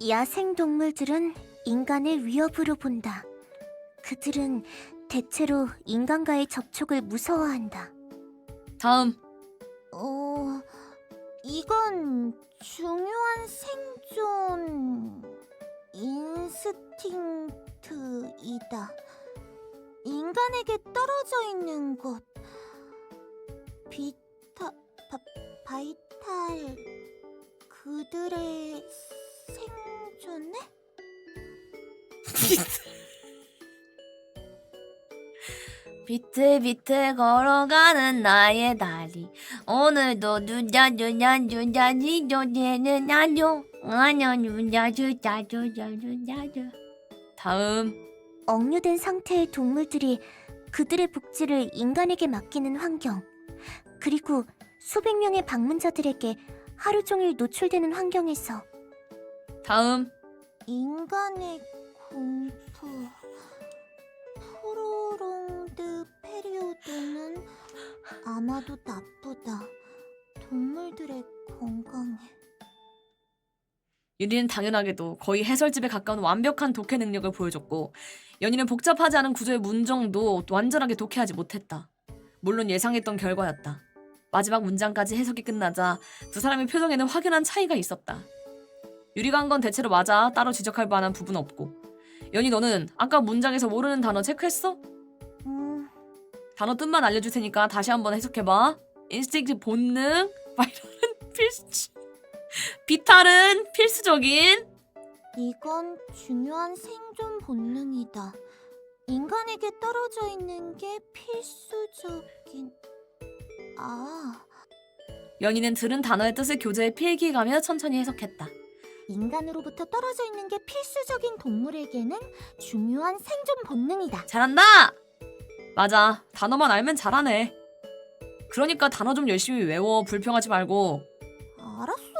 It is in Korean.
야생 동물들은 인간을 위협으로 본다. 그들은 대체로 인간과의 접촉을 무서워한다. 다음. 이건 중요한 생존 인스팅트이다. 인간에게 떨어져 있는 것. 바이탈 그들의 생존에? 비틀비틀 걸어가는 나의 다리. 오늘도 누냐누냐누냐니 조제는 나죠. 아냐 누냐주자주자주자주. 다음. 억류된 상태의 동물들이 그들의 복지를 인간에게 맡기는 환경, 그리고 수백 명의 방문자들에게 하루 종일 노출되는 환경에서 다음. 인간의 공포. 프로롱드 페리오드는 아마도 나쁘다. 동물들의 건강에. 유리는 당연하게도 거의 해설집에 가까운 완벽한 독해 능력을 보여줬고, 연희는 복잡하지 않은 구조의 문정도 완전하게 독해하지 못했다. 물론 예상했던 결과였다. 마지막 문장까지 해석이 끝나자 두 사람의 표정에는 확연한 차이가 있었다. 유리가 한 건 대체로 맞아. 따로 지적할 만한 부분 없고. 연희, 너는 아까 문장에서 모르는 단어 체크했어? 단어 뜻만 알려줄 테니까 다시 한번 해석해봐. 인스틱트 본능, 바이럴은 필수, 비탈은 필수적인. 이건 중요한 생존 본능이다. 인간에게 떨어져 있는 게 필수적인... 연희는 들은 단어의 뜻을 교재에 필기해가며 천천히 해석했다. 인간으로부터 떨어져 있는 게 필수적인 동물에게는 중요한 생존 본능이다. 잘한다! 맞아. 단어만 알면 잘하네. 그러니까 단어 좀 열심히 외워. 불평하지 말고. 알았어.